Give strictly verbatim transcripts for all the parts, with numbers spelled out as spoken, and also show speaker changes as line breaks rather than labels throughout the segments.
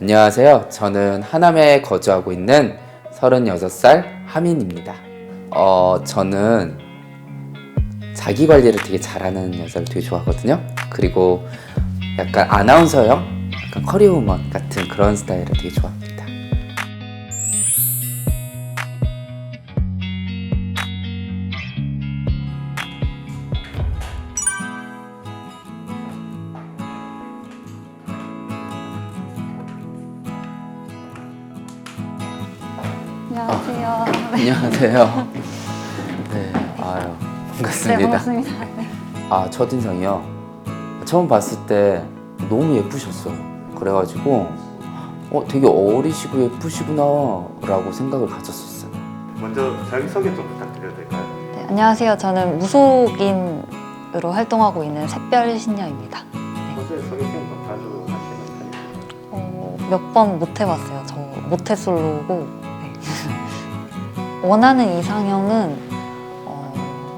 안녕하세요. 저는 하남에 거주하고 있는 서른여섯 살 하민입니다. 어, 저는 자기 관리를 되게 잘하는 여자를 되게 좋아하거든요. 그리고 약간 아나운서형, 약간 커리어우먼 같은 그런 스타일을 되게 좋아합니다.
안녕하세요.
안녕하세요. 네, 아유, 반갑습니다.
네, 반갑습니다. 네.
아, 첫인상이요? 처음 봤을 때 너무 예쁘셨어요. 그래가지고 어, 되게 어리시고 예쁘시구나 라고 생각을 가졌었어요.
먼저 자기소개 좀 부탁드려도 될까요?
네, 안녕하세요. 저는 무속인으로 활동하고 있는 샛별신녀입니다.
평소에 소개팅 좀 자주 하시는 편이에요?
어, 몇 번 못 해봤어요. 저 모태솔로고 네. 원하는 이상형은 어,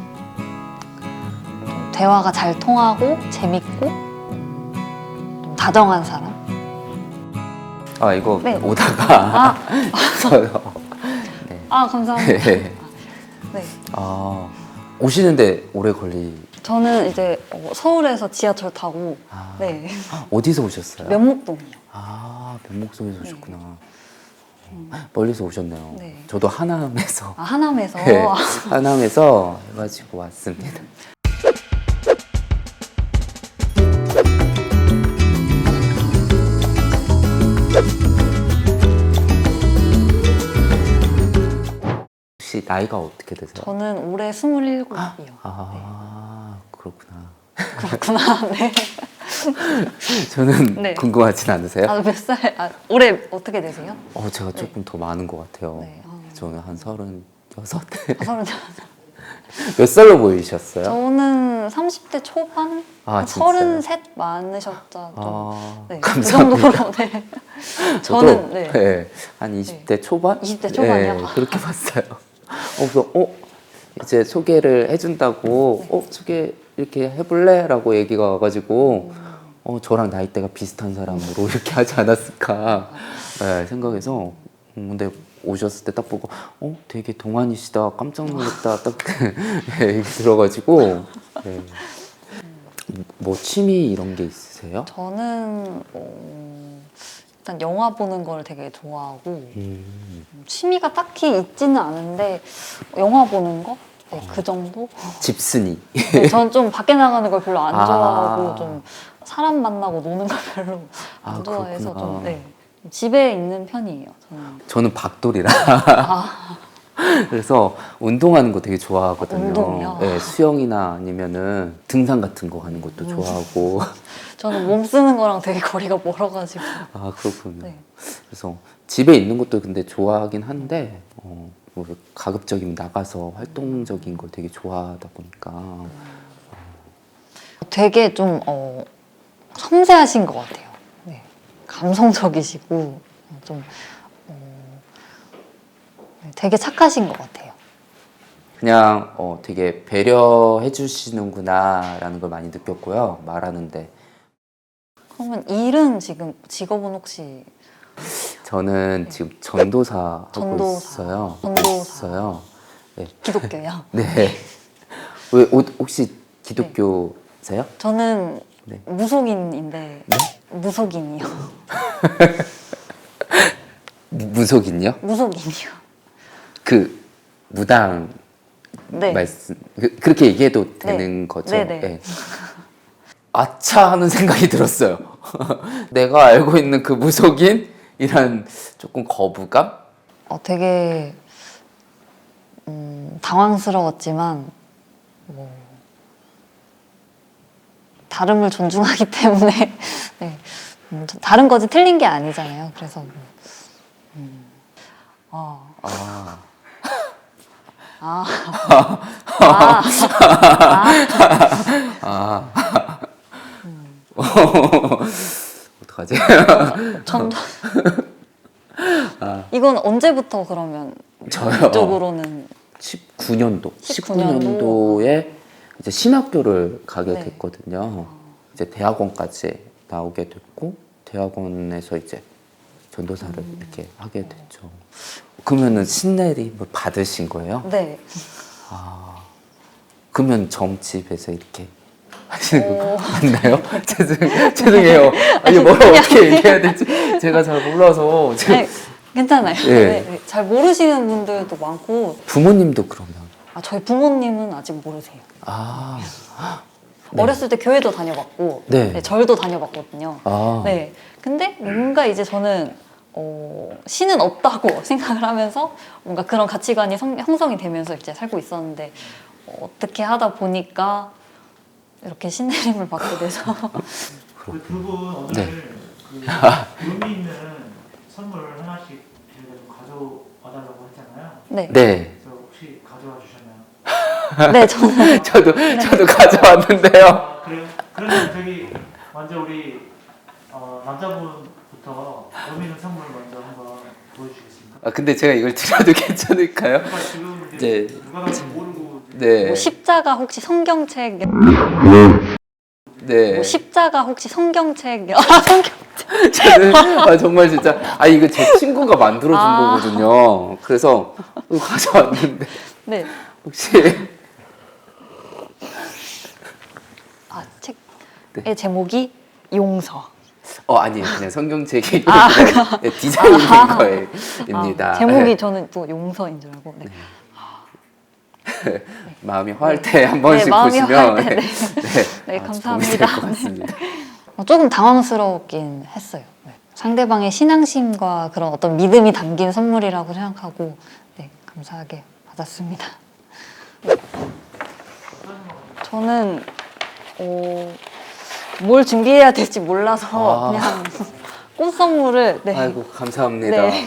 좀 대화가 잘 통하고 재밌고 음, 좀 다정한 사람.
아, 이거
네.
오다가
아,
저요. 네.
아 감사합니다.
네.
네.
아, 오시는데 오래 걸리.
저는 이제 어, 서울에서 지하철 타고
아,
네.
어디서 오셨어요?
면목동이요.
아, 면목동에서
네.
오셨구나.
음.
멀리서 오셨네요.
네.
저도 하남에서
아, 하남에서.
네, 하남에서 해가지고 왔습니다. 혹시 나이가 어떻게 되세요?
저는 올해 스물일곱이요.
아, 그렇구나.
그렇구나. 네.
저는
네.
궁금하진 않으세요?
아, 몇 살? 아, 올해 어떻게 되세요?
어, 제가 조금 더 많은 것 같아요.
네. 아,
저는 한 서른 여섯.
아, 서른.
몇 살로 보이셨어요?
저는 삼십 대 초반?
아,
한
진짜요?
서른셋 많으셨죠. 좀.
아,
네. 그
감사합니다.
정도로. 네.
저도
저는 네.
네, 한 이십 대 초반?
이십 대 초반이요?
네, 그렇게 봤어요. 어, 그래서 어, 이제 소개를 해준다고
네.
어, 소개 이렇게 해볼래? 라고 얘기가 와가지고
음.
어, 저랑 나이대가 비슷한 사람으로 이렇게 하지 않았을까 네, 생각해서 음, 근데 오셨을 때 딱 보고 어, 되게 동안이시다 깜짝 놀랐다 딱 얘기 들어가지고 네. 뭐 취미 이런 게 있으세요?
저는 어, 일단 영화 보는 걸 되게 좋아하고
음,
취미가 딱히 있지는 않은데 영화 보는 거? 네, 그 정도?
집순이.
네, 저는 좀 밖에 나가는 걸 별로 안
아.
좋아하고 좀 사람 만나고 노는 걸 별로 안
아,
좋아해서
그렇구나.
좀 네, 집에 있는 편이에요. 저는.
저는 박돌이라
아,
그래서 운동하는 거 되게 좋아하거든요.
운동이요?
네, 수영이나 아니면은 등산 같은 거 가는 것도
음.
좋아하고.
저는 몸 쓰는 거랑 되게 거리가 멀어가지고.
아, 그렇군요.
네.
그래서 집에 있는 것도 근데 좋아하긴 한데 어, 뭐 가급적이면 나가서 활동적인 걸 되게 좋아하다 보니까
되게 좀 어, 섬세하신 것 같아요. 네. 감성적이시고 좀 어, 네, 되게 착하신 것 같아요.
그냥 어, 되게 배려해 주시는구나라는 걸 많이 느꼈고요. 말하는데
그러면 일은 지금 직업은 혹시
저는 지금 전도사 하고
전도사.
있어요.
전도사.
있어요. 네.
기독교요?
네. 왜 오- 혹시 기독교세요?
저는
네.
무속인인데
네?
무속인이요.
무- 무속인요?
무속인이요.
그 무당
네.
말씀 그, 그렇게 얘기해도 되는 거죠?
네네.
네. 아차 하는 생각이 들었어요. 내가 알고 있는 그 무속인이란 조금 거부감?
어, 되게 음, 당황스러웠지만 뭐 다름을 존중하기 때문에 네. 음, 다른 거지 틀린 게 아니잖아요. 그래서 뭐, 음, 어,
아,
아, 아, 아,
아, 어떡하지?
전 이건 언제부터 그러면
저요.
이쪽으로는
십구 년도,
십구
십구
년도?
년도에 이제 신학교를 가게
네.
됐거든요. 이제 대학원까지 나오게 됐고 대학원에서 이제 전도사를 이렇게 하게 됐죠. 그러면은 신내림을 받으신 거예요?
네.
아, 그러면 점집에서 이렇게 하시는 거
어.
맞나요? 죄송, 죄송해요. 아니, 뭘 어떻게 얘기해야 될지 제가 잘 몰라서. 지금
네, 괜찮아요.
예.
네, 네. 잘 모르시는 분들도 많고,
부모님도 그러면.
아, 저희 부모님은 아직 모르세요.
아, 네.
어렸을 때 교회도 다녀봤고,
네.
네, 절도 다녀봤거든요.
아,
네. 근데 뭔가 이제 저는 어, 신은 없다고 생각을 하면서 뭔가 그런 가치관이 성, 형성이 되면서 이제 살고 있었는데 어, 어떻게 하다 보니까 이렇게 신내림을 받게 돼서
그 두 분 오늘
네.
그 의미 있는 선물 하나씩 저희가 좀 가져와달라고 했잖아요.
네.
네.
그래서 혹시 가져와 주셨나요?
네, 저는
저도, 저도 가져왔는데요.
아, 그래요? 그러면 저기 먼저 우리 어, 남자분부터 의미 있는 선물 먼저 한번 보여주시겠습니까?
아, 근데 제가 이걸 드려도 괜찮을까요?
그러니까 지금 이제
네.
누가 봐도 모르고
네.
뭐 십자가 혹시 성경책
네.
뭐 십자가 혹시 성경책 아, 성경
저는 아, 정말 진짜 아 이거 제 친구가 만들어준
아.
거거든요. 그래서 이거 가져왔는데
네.
혹시
아, 책의
네.
제목이 용서.
어 아니에요 그냥 성경책이
아,
네, 디자인된
아.
거입니다.
아, 제목이
네.
저는 또 용서인 줄 알고. 네.
마음이 화할 때 한 번씩
네, 마음이
보시면
화할 때, 네.
네,
네,
아,
감사합니다.
도움이 될것 같습니다.
어, 조금 당황스럽긴 했어요. 네. 상대방의 신앙심과 그런 어떤 믿음이 담긴 선물이라고 생각하고 네, 감사하게 받았습니다. 저는 어, 뭘 준비해야 될지 몰라서
아.
그냥 꽃 선물을 네.
아이고 감사합니다.
네.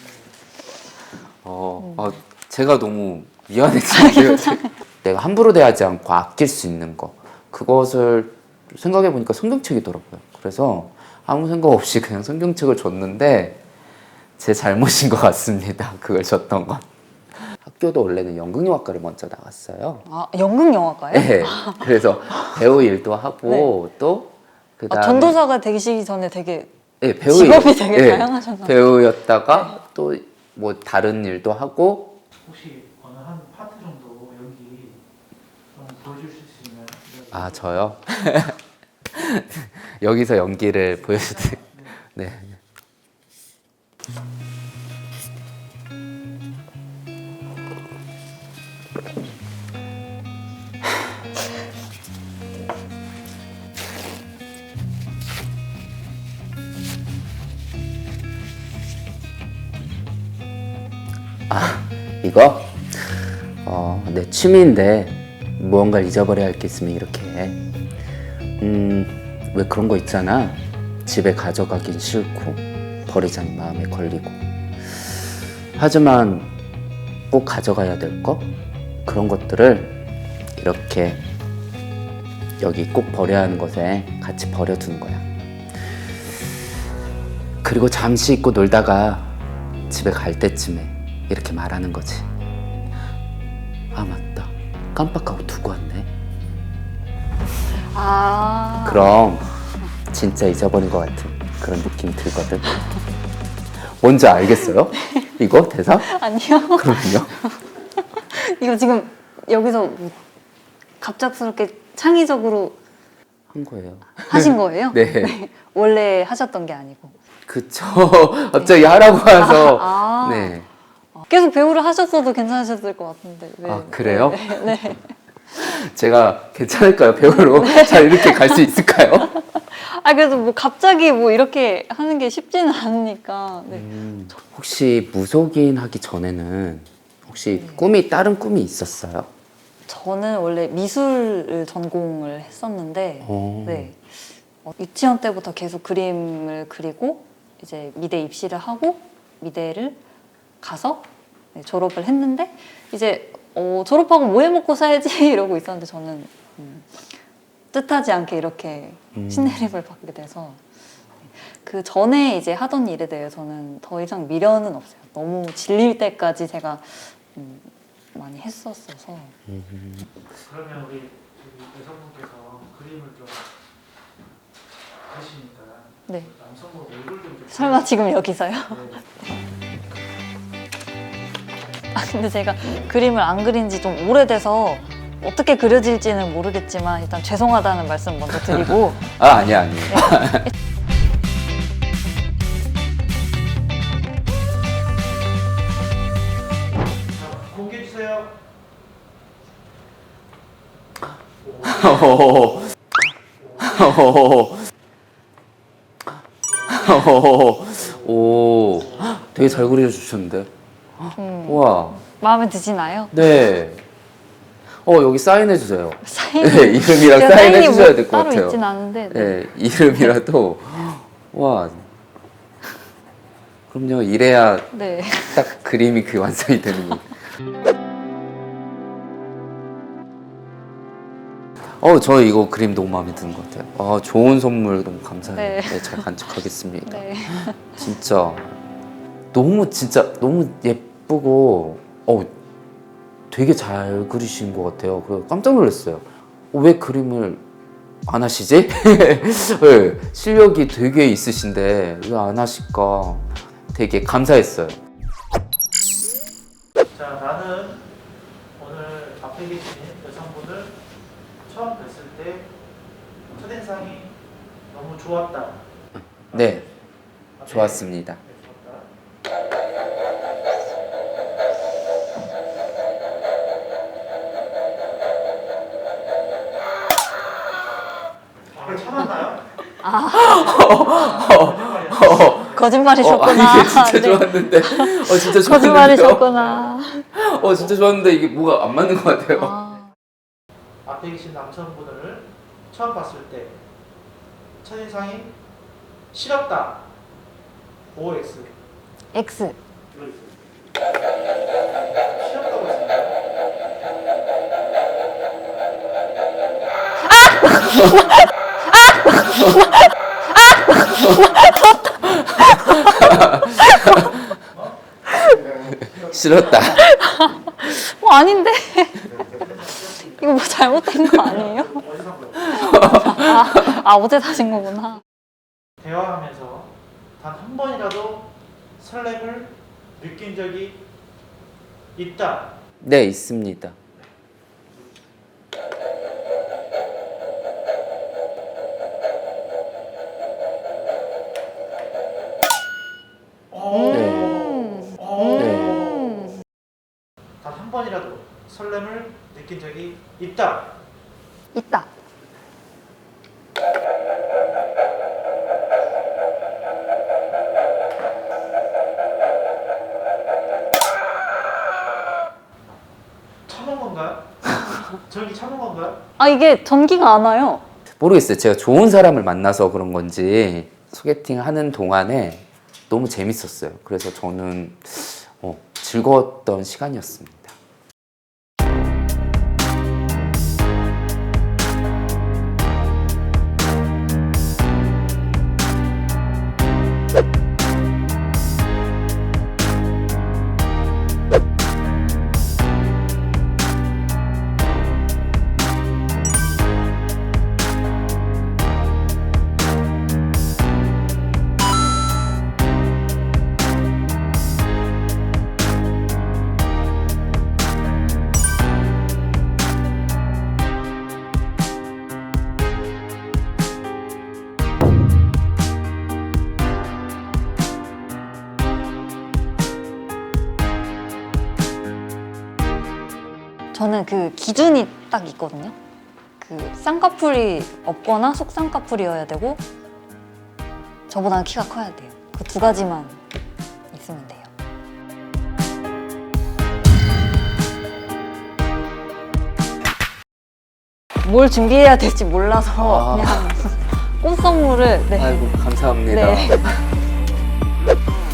어, 어, 제가 너무 미안해지는데요. 내가 함부로 대하지 않고 아낄 수 있는 거 그것을 생각해 보니까 성경책이더라고요. 그래서 아무 생각 없이 그냥 성경책을 줬는데 제 잘못인 것 같습니다. 그걸 줬던 건. 학교도 원래는 연극영화과를 먼저 나왔어요.
아, 연극 영화과요?
네. 그래서 배우 일도 하고 또 그다음에
아, 전도사가 되시기 전에 되게
네, 배우
직업이
일-
되게
네,
다양하셨나 봐요.
배우였다가 또 뭐 다른 일도 하고
혹시 어느 한 파트 정도 연기 좀 보여주실 수 있나요?
아 저요? 여기서 연기를 보여주세요. 네. 아 이거 어, 내 취미인데 무언가를 잊어버려야 할 게 있으면 이렇게 해. 음, 왜 그런 거 있잖아. 집에 가져가긴 싫고 버리자는 마음에 걸리고. 하지만 꼭 가져가야 될 거? 그런 것들을 이렇게 여기 꼭 버려야 하는 것에 같이 버려두는 거야. 그리고 잠시 잊고 놀다가 집에 갈 때쯤에 이렇게 말하는 거지. 아 맞다. 깜빡하고 두고 왔네.
아,
그럼 진짜 잊어버린 것 같은 그런 느낌이 들거든. 뭔지 알겠어요? 이거 대사?
아니요.
그럼요.
이거 지금 여기서 뭐 갑작스럽게 창의적으로
한 거예요.
하신 거예요?
네.
원래 하셨던 게 아니고.
그쵸. 갑자기 하라고 해서.
아, 아.
네.
계속 배우를 하셨어도 괜찮으셨을 것 같은데. 왜?
아, 그래요?
네. 네.
제가 괜찮을까요? 배우로 잘 이렇게 갈 수 있을까요?
아, 그래도 뭐 갑자기 뭐 이렇게 하는 게 쉽지는 않으니까. 네.
음, 혹시 무속인 하기 전에는 혹시
네.
꿈이 다른 꿈이 있었어요?
저는 원래 미술을 전공을 했었는데,
오.
네. 어, 유치원 때부터 계속 그림을 그리고 이제 미대 입시를 하고 미대를 가서 네, 졸업을 했는데 이제 어, 졸업하고 뭐 해 먹고 살지 이러고 있었는데 저는 음, 뜻하지 않게 이렇게
음.
신내림을 받게 돼서 그 전에 이제 하던 일에 대해서는 더 이상 미련은 없어요. 너무 질릴 때까지 제가 음, 많이 했었어서
음.
그러면 우리 저기 여성분께서 그림을 좀 하시니까
네.
남성분 얼굴 좀.
설마 지금 여기서요?
네.
아 근데 제가 그림을 안 그린 지 좀 오래돼서 어떻게 그려질지는 모르겠지만 일단 죄송하다는 말씀 먼저 드리고
아 아니야 아니야.
네.
자, 공개해 주세요.
호호호. 호호호. 호호호. 오, 되게 잘 그려주셨는데.
음,
우와.
마음에 드시나요?
네. 어 여기 사인해 주세요.
사인
네, 이름이랑
제가
사인해
사인이
주셔야
뭐
될 것
따로
같아요.
있진 않은데 네.
네, 이름이라도 와. 그럼요. 이래야
네.
딱 그림이 그 완성이 되는 거. 어, 저 이거 그림 너무 마음에 드는 것 같아요. 아, 좋은 선물 너무 감사해요.
네.
네, 잘 간직하겠습니다.
네.
진짜 너무 진짜 너무 예쁘고 어 되게 잘 그리신 것 같아요. 그래서 깜짝 놀랐어요. 어, 왜 그림을 안 하시지? 네, 실력이 되게 있으신데 왜 안 하실까? 되게 감사했어요.
자, 나는 오늘 앞에 계신 여성분을 처음 뵀을 때 첫인상이 너무 좋았다.
네,
앞에
좋았습니다.
네, 좋았다. 아, 참았나요?
거짓말이셨구나.
어, 아니, 이게 진짜
네.
좋았는데, 어 진짜 좋았는데요.
거짓말이셨구나.
어 진짜 좋았는데 이게 뭐가 안 맞는 것 같아요.
아,
앞에 계신 남성분을 처음 봤을 때 첫인상이 싫었다. 오 엑스.
X.
이거 있어요. 싫었다고 했습니다.
싫었다.
어 아닌데. 이거 뭐 잘못된 거 아니에요?
어디서 산 거예요?
아, 아 어제 사신 거구나.
대화하면서 단 한 번이라도 설렘을 느낀 적이 있다.
네 있습니다.
오.
네.
음.
오.
음.
단 한 번이라도 설렘을 느낀 적이 있다.
있다.
참은 건가요? 저기 참은 건가요?
아 이게 전기가 안 와요.
모르겠어요. 제가 좋은 사람을 만나서 그런 건지 소개팅 하는 동안에 너무 재밌었어요. 그래서 저는 어, 즐거웠던 시간이었습니다.
저는 그 기준이 딱 있거든요. 그 쌍꺼풀이 없거나 속쌍꺼풀이어야 되고 저보다는 키가 커야 돼요. 그 두 가지만 있으면 돼요. 뭘 준비해야 될지 몰라서
아.
그냥 꽃 선물을 네.
아이고 감사합니다.
네.